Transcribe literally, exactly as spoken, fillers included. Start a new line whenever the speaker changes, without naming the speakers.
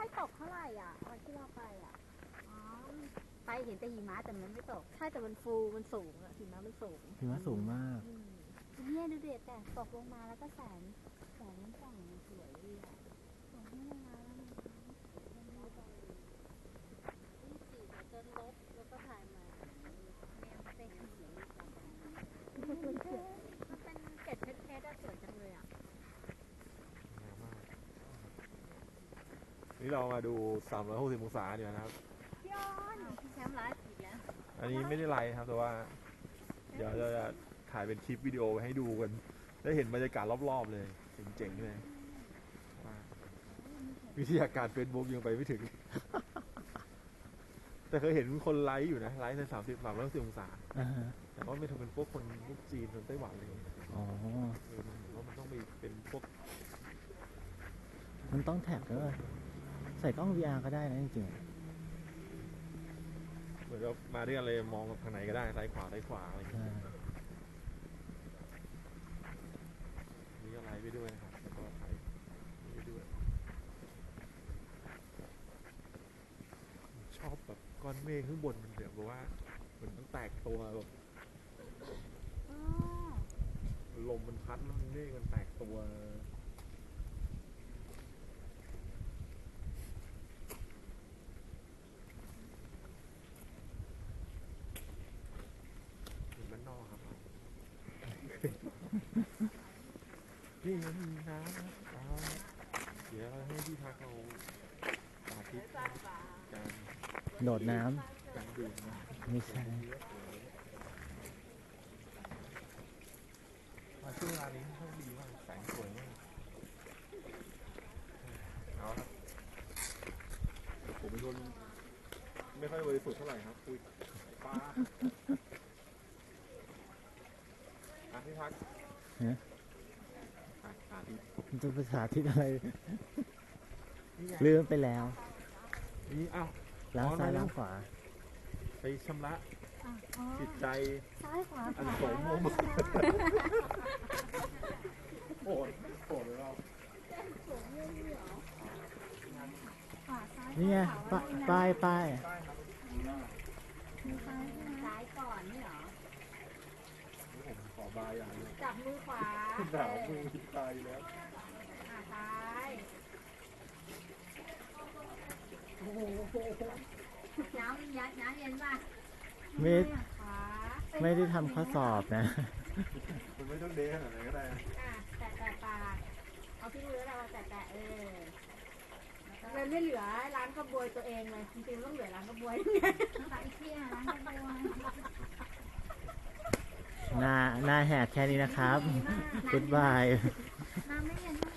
ค่อยตกเท่าไหร่อ่ะวันที่เราไปอ่ะอ๋อไปเห็นแต่หิมะแต่มันไม่ตกใช่แต่มันฟูมันสูงอ่ะหิมะมันสูง
หิมะสูงมาก
เนี่ยดูเด็ดแต่ตกลงมาแล้วก็แสงแสงส่องสวยดีอ่ะสวยไม่นานแล้วมันมันลบยี่สิบสี่จนลบแล้วก็ถ่ายมาเนี่ยมันเป็นสีมันเป็นเกล็ดเพชรๆสวยจังเลยอ่ะ
นี่เรามาดูสามร้อยหกสิบองศาเนี่ยนะครับ
พี่ออนพี่แชมป์ไลฟ์อีกแล้ว
อันนี้ไม่ได้ไลฟ์ครับแต่ว่า เดี๋ยวเราจะถ่ายเป็นคลิปวิดีโอให้ดูกัน ได้เห็นบรรยากาศรอบๆเลยเจ๋งๆเลยวิทยาการเฟซบุ๊กยังไปไม่ถึง แต่เคยเห็นคนไลฟ์อยู่นะไลฟ์ในสามสิบสามร้อยสิบองศา
อ่าฮะ
แต่ว่าไม่ทำเป็นพวกคนพวกจีนคนไต้หวันอะไรอย่างเงี้ย
อ๋อ
เออมันเห็นว่ามันต้องมีเป็นพวก
มันต้องแท็กด้วยใส่กล้อง วี อาร์ ก็ได้นะจริง
เหมือนกับมาด้วยกันเลยมองทางไหนก็ได้ซ้ายขวาซ้ายขวาอะไรอย่าง
ๆ
เงี้ย
อ่า
นี่ก็ไลฟ์ไปด้วยนะครับแล้วก็ถ่ายไปด้วยชอบแบบก้อนเมฆข้างบนมันแบบว่าเหมือนต้องแตกตัวแบบลมมันพัดแล้วเมฆมันแตกตัวเหมือนบ้านนอกครับ นี่มันมีน้ำอ๋อเดี๋ยวให้พี่ทักเอาสาธิตการ
โดดน้
การดื่มนะ
ำไม่ใช่
มาช่วงเวลานี้โชคดีมากแสงสวยมากเอาครับผมเป็นคนไม่ค่อยบริสุทธิ์เท่าไหร่ครับคุยป้าอ่ะพี่ทัก
ฮะ
อ่ะสาธิต
มันจะภาษาที่อะไร
นี่ไง
ลืมไปแล้ว
นี่อ้าว
ล้างซ้าย
อ๋อ
ล้างขวา
ไปชำระ
อ๋อ
จิตใจ
ซ้ายขวา
อันโสมมโอ้ยโกรธเลยเรา
ขวาซ้าย
นี่ไงป้ายป้ายป้าย
ได้ครับ
มือซ้ายซ้ายก่อนนี่เหรอ
ผมขอบายอย่างนี้
จับมือขวา
หนาวมือตายแล้ว
อ่าซ้ายโอ้โหน้ำยัดน้ำเย็นป่ะ
ไม่
ขวา
ไม่ได้ทำข้อสอบนะ
คุณไม่ต้องเดขนาดไหนก็ได้
อ่ะแตะแตะปากเอาที่มือเราแตะแตะเออเลยไม่เหลือร้านกระบวยตัวเองเลยจริงๆต้องเหลือร้านกระบวยไปเที่ยวร้านกระบวย
หน้าหน้าแหกแค่นี้นะครับ Goodbye
น้ำไม่เย็นเท่า